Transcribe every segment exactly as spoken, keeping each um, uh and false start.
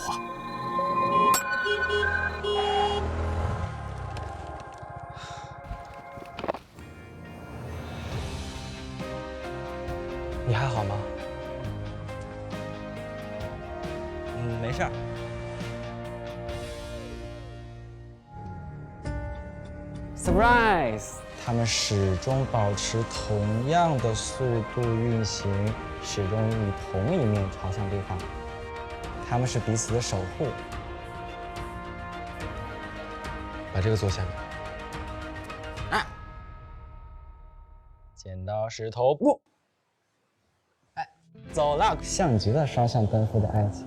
话。 你还好吗？ 嗯，没事儿。 Surprise！ 他们始终保持同样的速度运行，始终以同一面朝向对方。他们是彼此的守护。把这个做下面。啊！剪刀石头布。哎，走了。像极了双向奔赴的爱情。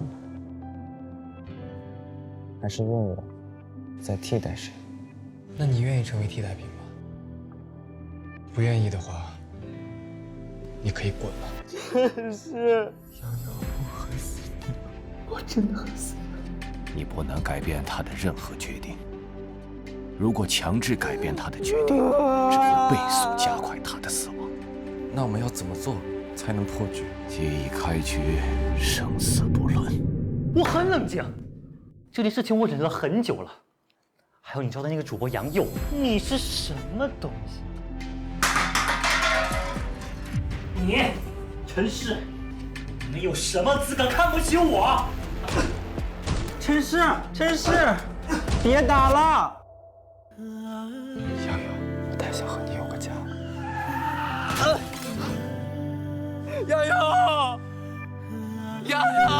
还是问我，在替代谁？ 那你愿意成为替代品吗？不愿意的话，你可以滚了。 真是， 瑶瑶，我恨死你了，我真的恨死你了。 你不能改变他的任何决定。如果强制改变他的决定，只会倍速加快他的死亡。 那我们要怎么做才能破局？ 既已开局，生死不论。 我很冷静，这件事情我忍了很久了。还有你招的那个主播杨佑，你是什么东西？你，陈氏，你们有什么资格看不起我？ 陈氏，陈氏，别打了！ 瑶瑶，我太想和你有个家。 瑶瑶，瑶瑶。